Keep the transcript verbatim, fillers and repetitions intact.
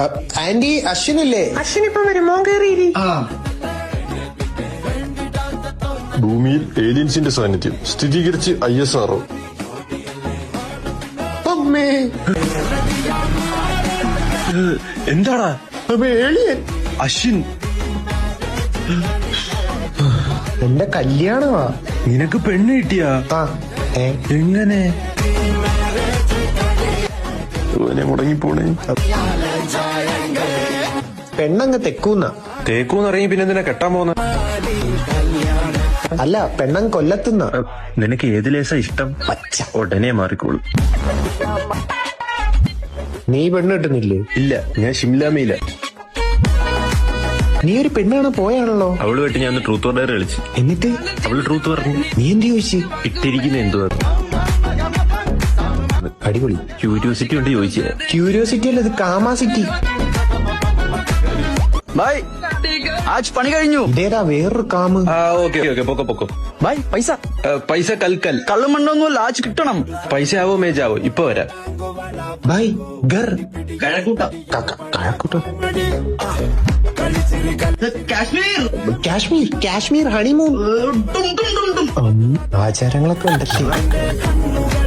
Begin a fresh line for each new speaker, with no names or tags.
Anti അശ്വിനില്ലേ?
Ashwin ഇപ്പൊ വരും. മോൻ കയറിയിരി.
ഭൂമിയിൽ ഏലിയൻസിന്റെ സാന്നിധ്യം സ്ഥിരീകരിച്ച് ഐ എസ് ആർഒ.
അമ്മേ,
എന്താടാ?
ഏലിയൻ
അശ്വിൻ,
എന്റെ കല്യാണമാ.
നിനക്ക് പെണ്ണ് കിട്ടിയാ?
ആ, ഏ,
എങ്ങനെ? മുടങ്ങിപ്പോണേ.
പെണ്ണങ്ങ് തെക്കൂന്ന.
തേക്കൂന്നിറങ്ങി പിന്നെ എന്തിനാ കെട്ടാൻ പോന്ന?
അല്ല, പെണ്ണങ്ങ് കൊല്ലത്തുന്ന.
നിനക്ക് ഏത് ലേസാ ഇഷ്ടം?
പച്ച.
ഉടനെ മാറിക്കോളൂ.
നീ പെണ്ണ് കിട്ടുന്നില്ലേ?
ഇല്ല, ഞാൻ ഷിംലാമയില.
നീ ഒരു പെണ്ണാണ് പോയാണല്ലോ.
അവളുമായിട്ട് ഞാൻ ട്രൂത്ത് ഓർ ഡയർ കളിച്ചു.
എന്നിട്ട്
അവള് ട്രൂത്ത് പറഞ്ഞു.
നീ എന്ത് ചോദിച്ചു?
ഇട്ടിരിക്കുന്ന എന്തുവാ?
അടിപൊളി.
ക്യൂരിയോസിറ്റി കൊണ്ട് ചോദിച്ചേ.
ക്യൂരിയോസിറ്റി അല്ല, ഇത് കാമാസിറ്റി.
ബൈ, ആജ് പണി കഴിഞ്ഞു.
ഇതേതാ വേറൊരു കാമ്?
ആ, ഓക്കെ ഓക്കെ, പൊക്കോ പൊക്കോ.
ബൈ, പൈസ
പൈസ കൽക്കൽ.
കള്ളും മണ്ണൊന്നുമല്ല, ആജ് കിട്ടണം.
പൈസ ആവോ മേജാവോ? ഇപ്പൊ വരാം.
ബൈ ഗർ
കഴക്കൂട്ട
കഴക്കൂട്ടോ.
കാശ്മീർ
കാശ്മീർ കാശ്മീർ ഹണിമൂൺ. ആചാരങ്ങളൊക്കെ ഉണ്ടല്ലേ.